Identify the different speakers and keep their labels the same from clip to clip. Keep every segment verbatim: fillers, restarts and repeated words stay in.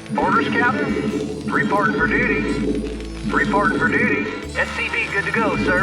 Speaker 1: Orders, Captain? Reporting for duty. Reporting for duty. S C V good to go, sir.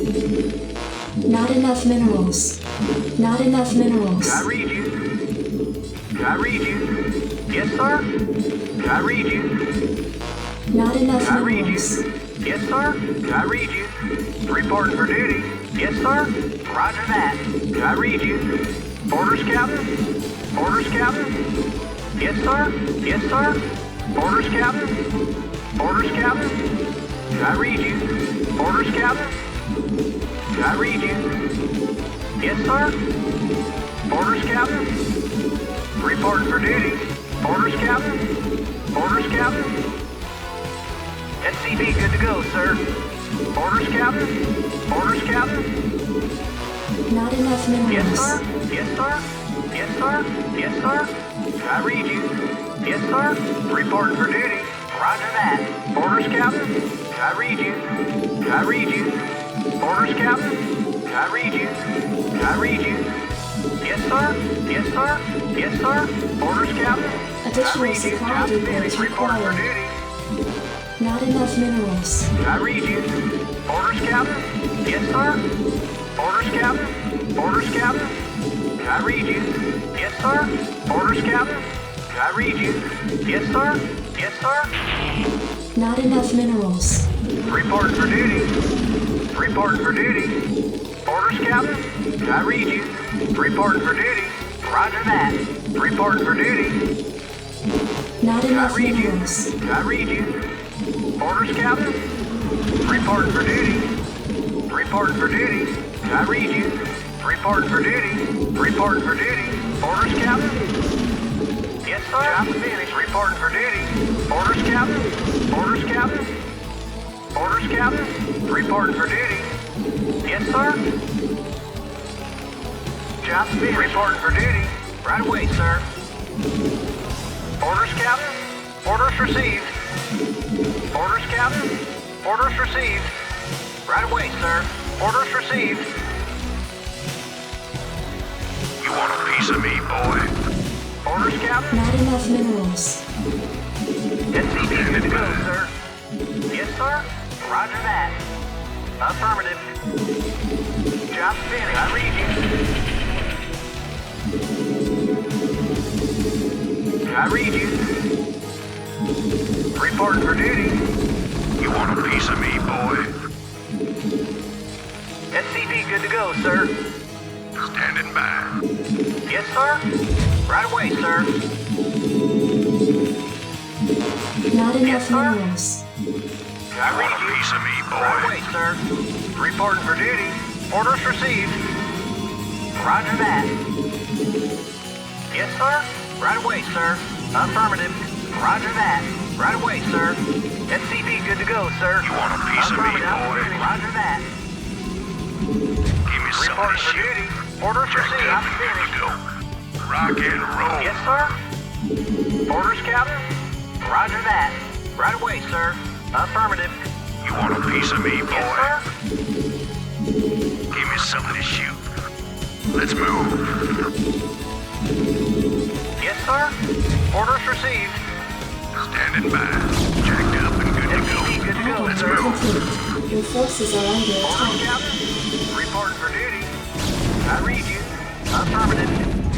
Speaker 2: Not enough minerals. Not enough minerals.
Speaker 1: I read you. I read you. Yes, sir. I read you.
Speaker 2: Not enough
Speaker 1: I read
Speaker 2: minerals.
Speaker 1: you. Yes, sir. I read you. Reporting for duty. Yes, sir. Roger that. I read you. Orders, Captain? Orders, Captain? Yes, sir. Yes, sir. Orders, Captain? Orders, Captain? I read you. Orders, Captain? I read you. Yes, sir. Orders, Captain? Reporting for duty. Orders, Captain? Orders, Captain? S C V good to go, sir. Orders, Captain? Orders, Captain?
Speaker 2: Not enough
Speaker 1: Yes,
Speaker 2: minerals.
Speaker 1: sir. Yes, sir. Yes, sir. Yes, sir. I read you. Yes, sir. Reporting for duty. Roger that. Orders, Captain? I read you. I read you. Orders, Captain? I read you. I read you. Yes, sir. Yes, sir. Yes, sir. Orders, Captain? I
Speaker 2: Additional
Speaker 1: read you.
Speaker 2: supply
Speaker 1: Job
Speaker 2: depots
Speaker 1: finished. Reporting for
Speaker 2: required.
Speaker 1: duty.
Speaker 2: Not enough minerals.
Speaker 1: I read you. Orders, Captain? Yes, sir. Orders, Captain? Orders, Captain? I read you. Yes, sir. Orders, Captain? I read you. Yes, sir. Yes, sir.
Speaker 2: Not enough minerals.
Speaker 1: Reporting for duty. Reporting for duty. Orders, Captain? I read you. Reporting for duty. Roger that. Reporting for duty.
Speaker 2: Not
Speaker 1: I
Speaker 2: enough
Speaker 1: read
Speaker 2: minerals.
Speaker 1: you. I read you. Orders, Captain? Reporting for duty. Reporting for duty. I read you. Reporting for duty. Reporting for duty. Orders, Captain? Yes, sir. Job finished. Reporting for duty. Orders, Captain? Orders, Captain? Orders, Captain? Reporting for duty. Yes, sir. Job finished. Reporting for duty. Right away, sir. Orders, Captain? Orders received. Orders, Captain? Orders received. Right away, sir. Orders received.
Speaker 3: You want a piece of me, boy?
Speaker 1: Orders, Captain?
Speaker 2: Not enough minerals.
Speaker 1: S C V good to go, sir. Yes, sir. Roger that. Affirmative. Job finished. I read you. I read you. Reporting for duty.
Speaker 3: You want a piece of me, boy?
Speaker 1: S C V good to go, sir.
Speaker 3: Standing by.
Speaker 1: Yes, sir. Right away, sir.
Speaker 2: Not enough
Speaker 1: Yes, sir.
Speaker 2: minerals.
Speaker 1: I
Speaker 3: You want a
Speaker 1: read you.
Speaker 3: piece of me,
Speaker 1: Right
Speaker 3: boy?
Speaker 1: away, sir. Reporting for duty. Orders received. Roger that. Yes, sir. Right away, sir. Affirmative. Roger that. Right away, sir. S C V good to go, sir.
Speaker 3: You want a piece of me,
Speaker 1: Affirmative.
Speaker 3: boy?
Speaker 1: Roger that.
Speaker 3: Give me some of
Speaker 1: Reporting
Speaker 3: this
Speaker 1: for
Speaker 3: shit.
Speaker 1: duty. Orders
Speaker 3: Jacked
Speaker 1: received.
Speaker 3: up
Speaker 1: I'm
Speaker 3: and good
Speaker 1: finished.
Speaker 3: to go. Rock and roll.
Speaker 1: Yes, sir. Orders, Captain. Roger that. Right away, sir. Affirmative.
Speaker 3: You want a piece of me, boy?
Speaker 1: Yes, sir.
Speaker 3: Give me some of this shoot. Let's move.
Speaker 1: Yes, sir. Orders received.
Speaker 3: Standing by. Jacked up and good to
Speaker 1: S C V
Speaker 3: go.
Speaker 1: good to go,
Speaker 2: Package
Speaker 1: sir.
Speaker 2: complete. Your forces are under
Speaker 1: Orders,
Speaker 2: attack.
Speaker 1: Captain. Reporting for duty. I read you. Affirmative.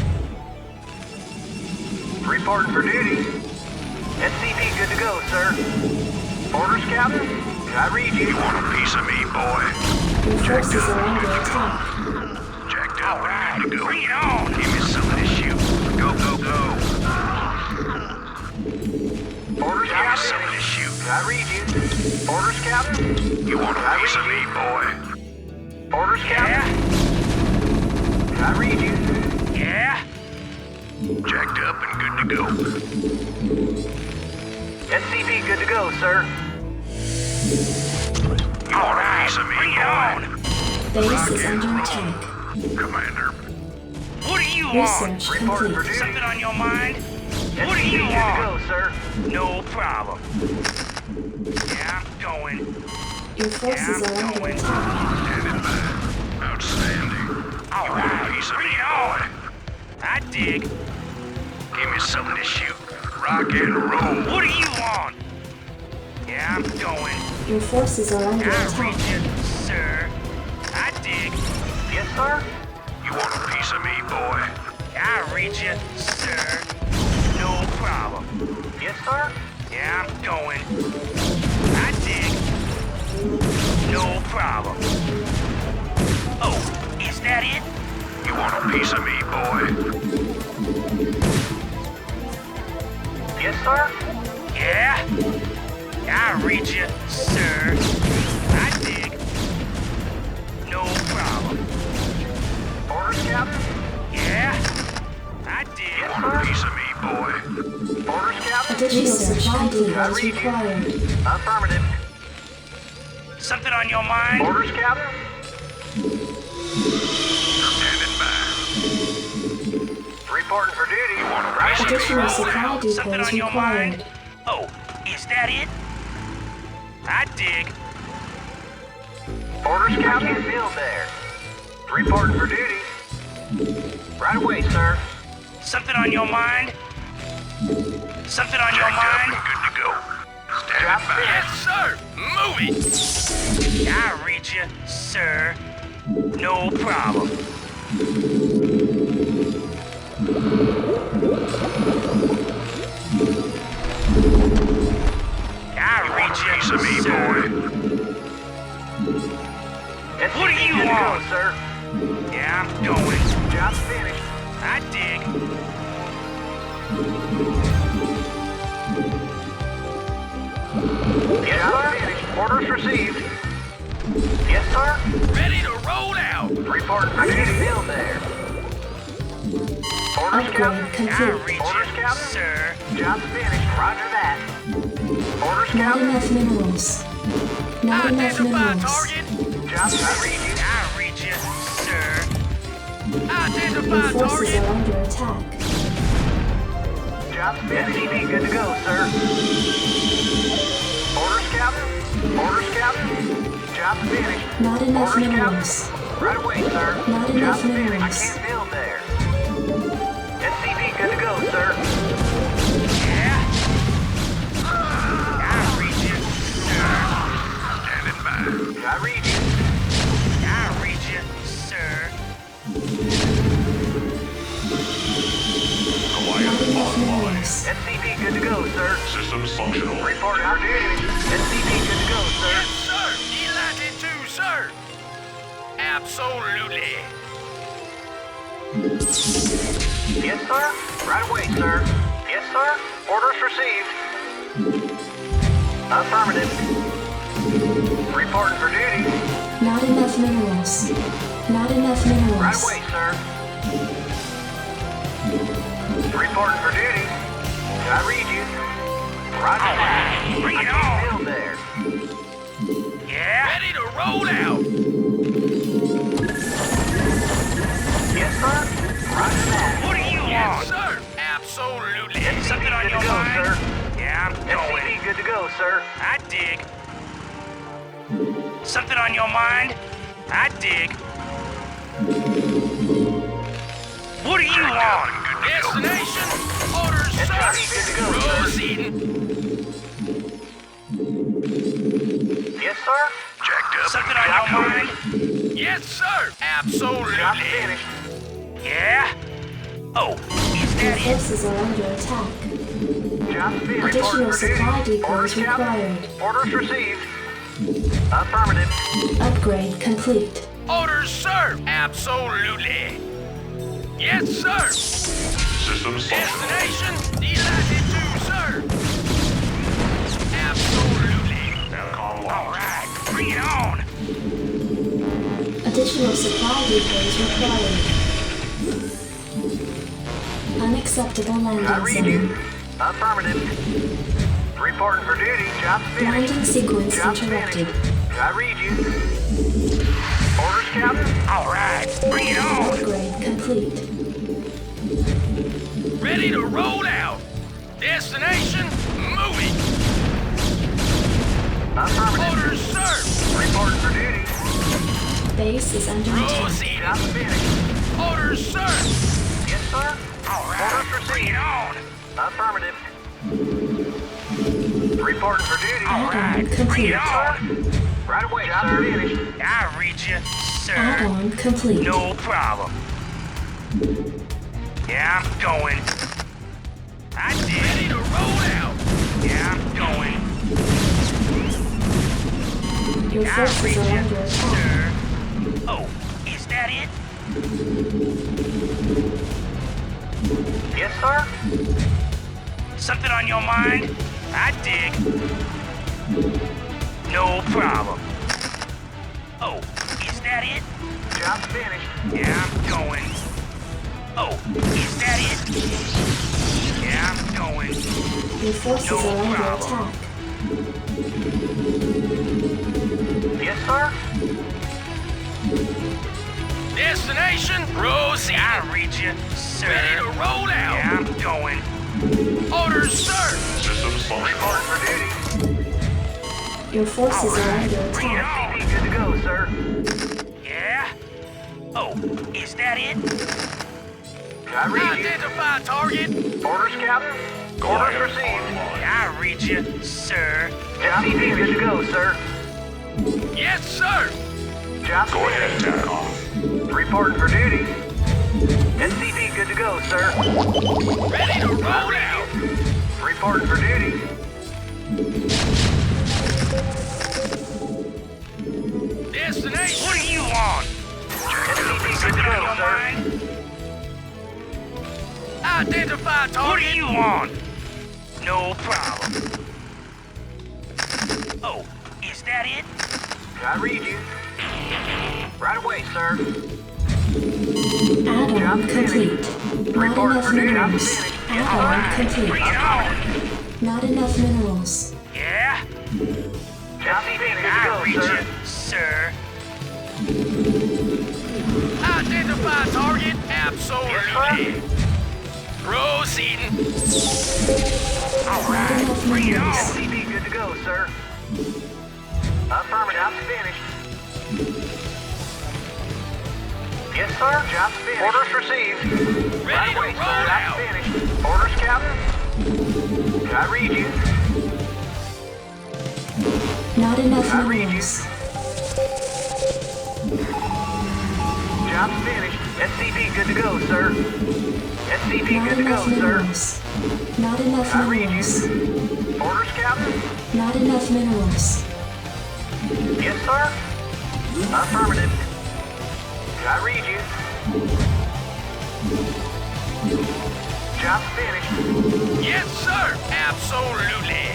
Speaker 1: Reporting for duty. S C V good to go, sir. Orders, Captain. I read you.
Speaker 3: You want a piece of me, boy?
Speaker 2: Your forces are under attack.
Speaker 3: Jacked up and good to go. Bring it on. Give me some of this shoot. Go, go, go.
Speaker 1: Orders,
Speaker 3: Give me
Speaker 1: Captain.
Speaker 3: some of this shoot.
Speaker 1: I read you. Orders, Captain.
Speaker 3: You want a
Speaker 1: I
Speaker 3: piece
Speaker 1: read
Speaker 3: of me,
Speaker 1: you.
Speaker 3: boy?
Speaker 1: Orders, Captain. I read you.
Speaker 3: Yeah? Jacked up and good to go.
Speaker 1: S C V good to go, sir.
Speaker 3: You want a piece of me, boy?
Speaker 2: Base is under attack.
Speaker 3: Commander.
Speaker 4: What do you want?
Speaker 2: Research
Speaker 1: Reporting for
Speaker 2: complete.
Speaker 1: duty.
Speaker 4: Something on your mind? What do
Speaker 1: S C V
Speaker 4: you
Speaker 1: good to
Speaker 4: want?
Speaker 1: go, sir.
Speaker 4: No problem. Yeah, I'm going.
Speaker 2: Your forces are under attack.
Speaker 3: Standing by. Outstanding.
Speaker 4: All
Speaker 3: You want a
Speaker 4: right,
Speaker 3: piece of
Speaker 4: bring
Speaker 3: me,
Speaker 4: it on.
Speaker 3: boy?
Speaker 4: I dig.
Speaker 3: Give me something to shoot. rock and roll.
Speaker 4: What are you on? Yeah, I'm going.
Speaker 2: Your forces are under
Speaker 4: I read
Speaker 2: attack.
Speaker 4: you, sir. I dig.
Speaker 1: Yes, sir.
Speaker 3: You want a piece of me, boy?
Speaker 4: I read you, sir. No problem.
Speaker 1: Yes, sir.
Speaker 4: Yeah, I'm going. I dig. No problem. Oh, is that it?
Speaker 3: You want a piece of me, boy?
Speaker 1: Yes, sir.
Speaker 4: Yeah? I read you, sir. I dig. No problem.
Speaker 1: Orders, Captain.
Speaker 4: Yeah? I
Speaker 3: You
Speaker 4: dig.
Speaker 3: want a piece of me, boy?
Speaker 1: Orders, Captain.
Speaker 2: Additional supply
Speaker 1: I
Speaker 2: depots
Speaker 1: read you.
Speaker 2: required.
Speaker 1: Affirmative.
Speaker 4: Something on your mind?
Speaker 1: Orders, Captain.
Speaker 3: Standing by.
Speaker 1: Reporting for duty.
Speaker 3: You want a
Speaker 1: Right.
Speaker 3: piece of me,
Speaker 2: Additional
Speaker 3: boy?
Speaker 2: supply
Speaker 4: Something
Speaker 2: depots
Speaker 4: on your mind?
Speaker 2: required.
Speaker 4: Oh, is that it? I dig.
Speaker 1: Orders, Captain. Field there. Reporting for duty. Right away, sir.
Speaker 4: Something on your mind? Something on your
Speaker 3: Jacked up
Speaker 4: mind?
Speaker 3: and good to go. Standing
Speaker 1: Drop
Speaker 3: by.
Speaker 1: it.
Speaker 3: sir. Move it.
Speaker 4: I read you, sir. No problem. I read
Speaker 3: Piece
Speaker 4: you,
Speaker 3: of me,
Speaker 4: sir.
Speaker 3: boy.
Speaker 1: S C V
Speaker 4: What are you
Speaker 1: good to go,
Speaker 4: on?
Speaker 1: sir?
Speaker 4: Yeah, I'm going.
Speaker 1: Job's finished.
Speaker 4: I dig.
Speaker 1: Yes, sir. Finished. Orders received. Yes, sir.
Speaker 3: Ready to roll out.
Speaker 1: Reporting for duty. Field there. Orders,
Speaker 2: Upgrade
Speaker 1: Captain.
Speaker 4: I
Speaker 2: complete.
Speaker 4: read
Speaker 1: Orders,
Speaker 4: you,
Speaker 1: Captain.
Speaker 4: sir.
Speaker 1: Job's finished. Roger that. Orders,
Speaker 2: Not
Speaker 1: Captain.
Speaker 2: enough minerals. Not enough minerals.
Speaker 1: Job's I read you.
Speaker 4: I read you, sir.
Speaker 2: Your forces are under attack.
Speaker 1: Job's finished. S C V good to go, sir. Orders, Captain. Orders, Captain. Job's finished.
Speaker 2: Not enough
Speaker 1: Orders,
Speaker 2: minerals.
Speaker 1: Captain. Right away, sir.
Speaker 2: Not enough
Speaker 1: Job's finished. I
Speaker 2: minerals.
Speaker 1: can't build there. S C V good to go, sir.
Speaker 4: Yeah? I read you, sir.
Speaker 3: Standing by.
Speaker 1: I read you.
Speaker 4: I read you, sir.
Speaker 2: Not enough minerals.
Speaker 1: S C V good to go, sir.
Speaker 3: Systems functional.
Speaker 1: Report for duty. S C V good to go, sir.
Speaker 3: sir. Delighted to, sir. Absolutely.
Speaker 1: Yes, sir. Right away, sir. Yes, sir. Orders received. Affirmative. Reporting for duty.
Speaker 2: Not enough minerals. Not enough minerals.
Speaker 1: Right away, sir. Reporting for duty. I read you. Roger that.
Speaker 4: Bring
Speaker 1: I
Speaker 4: it
Speaker 1: can't
Speaker 4: on.
Speaker 1: build there.
Speaker 4: Yeah?
Speaker 3: Ready to roll out.
Speaker 1: Yes, sir. Roger that.
Speaker 4: What are you on?
Speaker 3: sir. Absolutely.
Speaker 4: Something on
Speaker 1: Good
Speaker 4: your
Speaker 1: to go,
Speaker 4: mind?
Speaker 1: sir.
Speaker 4: Yeah, I'm
Speaker 1: S C
Speaker 4: going.
Speaker 1: V good to go, sir.
Speaker 4: I dig. Something on your mind? I dig. What are you on?
Speaker 3: Destination. Orders,
Speaker 1: S
Speaker 3: sir.
Speaker 1: C V good to go, sir.
Speaker 3: Proceeding.
Speaker 1: Yes, sir.
Speaker 3: Jacked up.
Speaker 4: Something on your mind?
Speaker 3: Yes, sir.
Speaker 1: Job's
Speaker 3: Absolutely.
Speaker 1: finished.
Speaker 4: Yeah? Oh, is
Speaker 2: Your
Speaker 4: that it?
Speaker 2: forces are under attack.
Speaker 1: Job's finished.
Speaker 2: Additional
Speaker 1: Reporting for
Speaker 2: supply
Speaker 1: duty.
Speaker 2: depots
Speaker 1: Orders, Captain.
Speaker 2: required.
Speaker 1: Orders received. Affirmative.
Speaker 2: Upgrade complete.
Speaker 3: Orders, sir. Absolutely. Yes, sir.
Speaker 5: Systems functional.
Speaker 3: Destination. Delighted to, sir. Absolutely.
Speaker 5: Intercom
Speaker 4: All
Speaker 5: locked.
Speaker 4: right, bring it on.
Speaker 2: Additional supply depots required. Unacceptable
Speaker 1: I
Speaker 2: landing
Speaker 1: read you.
Speaker 2: zone.
Speaker 1: Affirmative. Reporting for duty. Job's finished.
Speaker 2: Landing sequence
Speaker 1: Job's
Speaker 2: interrupted.
Speaker 1: finished. I read you. Orders, Captain.
Speaker 4: All right, bring it on.
Speaker 2: Upgrade complete.
Speaker 3: Ready to roll out. Destination. Moving.
Speaker 1: Affirmative.
Speaker 3: Orders, sir.
Speaker 1: Reporting for duty.
Speaker 2: Base is under attack.
Speaker 3: Proceeding.
Speaker 1: Job's finished.
Speaker 3: Orders, sir.
Speaker 1: Yes, sir.
Speaker 4: All right,
Speaker 1: Orders
Speaker 4: bring
Speaker 1: received.
Speaker 4: it on.
Speaker 1: Affirmative. Reporting for duty.
Speaker 2: Add-on
Speaker 4: Bring
Speaker 2: complete.
Speaker 4: it on.
Speaker 1: Right away, Job finished.
Speaker 4: I read you, sir.
Speaker 2: Add-on complete.
Speaker 4: No problem. Yeah, I'm going. I did. Ready to roll out. Yeah, I'm going.
Speaker 2: Your
Speaker 4: I
Speaker 2: forces
Speaker 4: read
Speaker 2: are
Speaker 4: you,
Speaker 2: under attack.
Speaker 4: sir. Oh, is that it?
Speaker 1: Yes, sir.
Speaker 4: Something on your mind? I dig. No problem. Oh, is that it?
Speaker 1: Job's finished.
Speaker 4: Yeah, I'm going. Oh, is that it? Yeah, I'm going.
Speaker 2: Your forces
Speaker 4: No
Speaker 2: are under
Speaker 4: problem.
Speaker 2: attack.
Speaker 1: Yes, sir.
Speaker 4: Destination, Rosie. I read you, sir. Ready to roll out. Yeah, I'm going. Orders, sir.
Speaker 5: Systems functional.
Speaker 1: Reporting for duty.
Speaker 2: Your forces are under
Speaker 4: Bring it
Speaker 2: attack.
Speaker 4: on.
Speaker 1: Good to go, sir.
Speaker 4: Yeah? Oh, is that it?
Speaker 1: I read you.
Speaker 4: Identify target.
Speaker 1: Orders, Captain. Orders
Speaker 5: Goliath
Speaker 1: received.
Speaker 5: online.
Speaker 4: I read you, sir.
Speaker 1: Job good to go, sir.
Speaker 4: Yes, sir.
Speaker 1: Job
Speaker 5: Go ahead,
Speaker 1: finished.
Speaker 5: TACOM.
Speaker 1: Reporting for duty. S C V good to go, sir.
Speaker 4: Ready to roll out.
Speaker 1: Reporting for duty.
Speaker 4: Destination. What do you want?
Speaker 1: S C V good to
Speaker 4: Something on
Speaker 1: go,
Speaker 4: your
Speaker 1: sir.
Speaker 4: mind? Identify target. What do you want? No problem. Oh, is that it?
Speaker 1: I read you. Right away, sir.
Speaker 2: Add-on complete. Not
Speaker 1: Report
Speaker 2: enough
Speaker 1: for duty. I'm
Speaker 2: minerals.
Speaker 1: finished.
Speaker 2: Add-on complete.
Speaker 4: Bring it on.
Speaker 2: Not enough minerals.
Speaker 4: Yeah?
Speaker 1: Job finished. Good
Speaker 4: I
Speaker 1: to
Speaker 4: read
Speaker 1: go, sir.
Speaker 4: you, sir. Identify target. Absolutely. Proceeding. All
Speaker 2: Not
Speaker 4: right,
Speaker 2: enough
Speaker 4: bring it
Speaker 2: minerals.
Speaker 4: on.
Speaker 1: S C V good to go, sir. Affirmative. Job's finished. Yes, sir. Job's finished. Orders received.
Speaker 4: Ready
Speaker 1: Right
Speaker 4: to
Speaker 1: away,
Speaker 4: roll
Speaker 1: sir.
Speaker 4: out.
Speaker 1: Job's finished. Orders, Captain. I read you.
Speaker 2: Not enough
Speaker 1: I read you.
Speaker 2: minerals.
Speaker 1: Job's finished. S C V good to go, sir. S C V
Speaker 2: Not
Speaker 1: good to go,
Speaker 2: enough
Speaker 1: sir.
Speaker 2: minerals. Not enough
Speaker 1: I read you.
Speaker 2: minerals.
Speaker 1: Orders, Captain.
Speaker 2: Not enough minerals.
Speaker 1: Yes, sir. Affirmative. I read you. Job's finished.
Speaker 4: Yes, sir. Absolutely.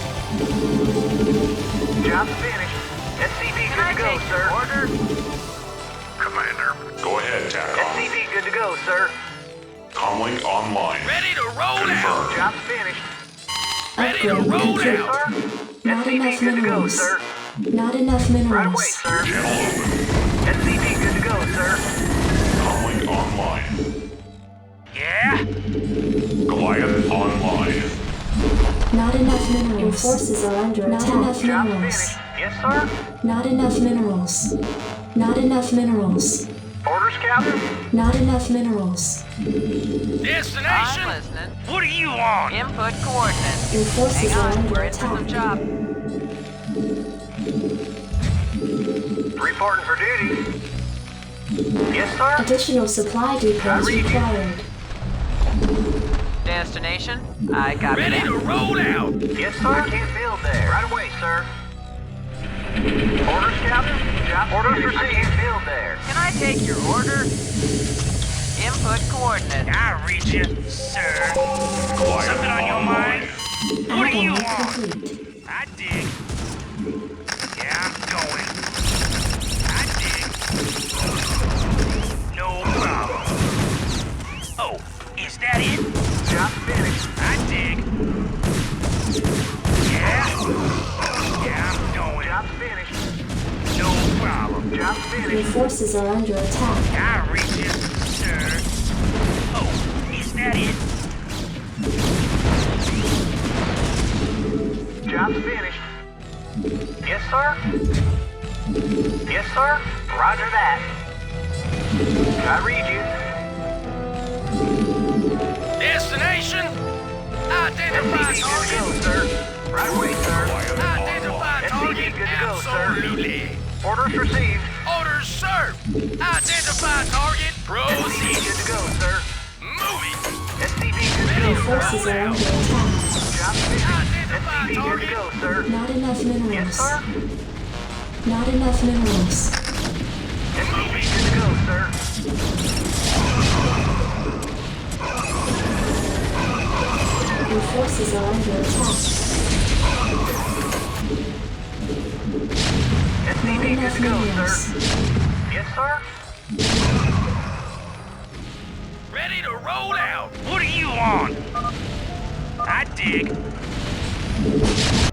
Speaker 1: Job's finished. S C V good to go, sir. Order.
Speaker 5: Commander, go ahead,
Speaker 1: S C
Speaker 5: TACOM.
Speaker 1: V good to go, sir.
Speaker 5: Comlink online.
Speaker 4: Ready to roll out.
Speaker 5: Confirmed.
Speaker 1: Job's finished.
Speaker 4: Ready to
Speaker 2: Upgrade
Speaker 4: roll
Speaker 2: complete.
Speaker 1: Yes,
Speaker 4: out.
Speaker 1: sir.
Speaker 2: Not
Speaker 1: S C V
Speaker 2: enough
Speaker 1: good to go,
Speaker 2: minerals.
Speaker 1: sir.
Speaker 2: Not enough
Speaker 1: Right away,
Speaker 2: minerals.
Speaker 1: sir.
Speaker 5: Channel open.
Speaker 1: S C V good to go, sir.
Speaker 5: Comlink online.
Speaker 4: Yeah?
Speaker 5: Goliath online.
Speaker 2: Not enough minerals. Your forces are under attack. Not enough
Speaker 1: Job's
Speaker 2: minerals.
Speaker 1: finished. Yes, sir.
Speaker 2: Not enough minerals. Not enough minerals.
Speaker 1: Orders, Captain.
Speaker 2: Not enough minerals.
Speaker 4: Destination?
Speaker 6: I'm listening.
Speaker 4: What do you want?
Speaker 6: Input coordinates.
Speaker 2: Your forces
Speaker 6: Hang
Speaker 2: are
Speaker 6: on,
Speaker 2: under
Speaker 6: we're in for some
Speaker 2: attack.
Speaker 6: job.
Speaker 1: Reporting for duty. Yes, sir.
Speaker 2: Additional supply depots
Speaker 1: read you.
Speaker 2: required.
Speaker 6: Destination? I copy
Speaker 4: Ready
Speaker 6: that.
Speaker 4: to roll out.
Speaker 1: Yes, sir. I can't build there. Right away, sir. Orders, Captain. Job orders received. I can't build there.
Speaker 6: Can I take your order? Input coordinates.
Speaker 4: I read you, sir.
Speaker 5: Goliath
Speaker 4: Something on your mind?
Speaker 5: online.
Speaker 4: What do you
Speaker 2: Add-on
Speaker 4: want?
Speaker 2: complete.
Speaker 4: I dig. Yeah, I'm going. I dig. No problem. Oh, is that it?
Speaker 1: Job finished.
Speaker 4: I dig. Yeah? Yeah, I'm going.
Speaker 1: Job's finished.
Speaker 4: No problem.
Speaker 1: Job's
Speaker 2: Your
Speaker 1: finished.
Speaker 2: forces are under attack.
Speaker 4: I reach you, sir. Oh, is that it?
Speaker 1: Job's finished. Yes, sir. Yes, sir. Roger that. I read you.
Speaker 4: Destination? Identify
Speaker 1: S C V good to go,
Speaker 4: target.
Speaker 1: sir. Right away, sir.
Speaker 4: Identify
Speaker 1: S C V
Speaker 4: target.
Speaker 1: good to go, sir.
Speaker 4: Absolutely.
Speaker 1: Orders received.
Speaker 4: Orders, sir. Identify target.
Speaker 1: S C V
Speaker 4: Proceed.
Speaker 1: good to go, sir.
Speaker 4: Moving.
Speaker 1: S C V good to
Speaker 2: Your
Speaker 1: go, sir.
Speaker 2: forces are under attack.
Speaker 1: Job finished.
Speaker 4: Identify
Speaker 1: S C V good to
Speaker 4: target.
Speaker 1: go, sir.
Speaker 2: Not enough
Speaker 1: Yes,
Speaker 2: minerals.
Speaker 1: sir.
Speaker 2: Not enough minerals.
Speaker 1: S C V good to go, sir.
Speaker 2: Your forces are under attack.
Speaker 1: S C
Speaker 2: Not
Speaker 1: V good
Speaker 2: enough
Speaker 1: to go,
Speaker 2: minerals.
Speaker 1: sir. Yes, sir.
Speaker 4: Ready to roll out.
Speaker 3: What do you want? I dig.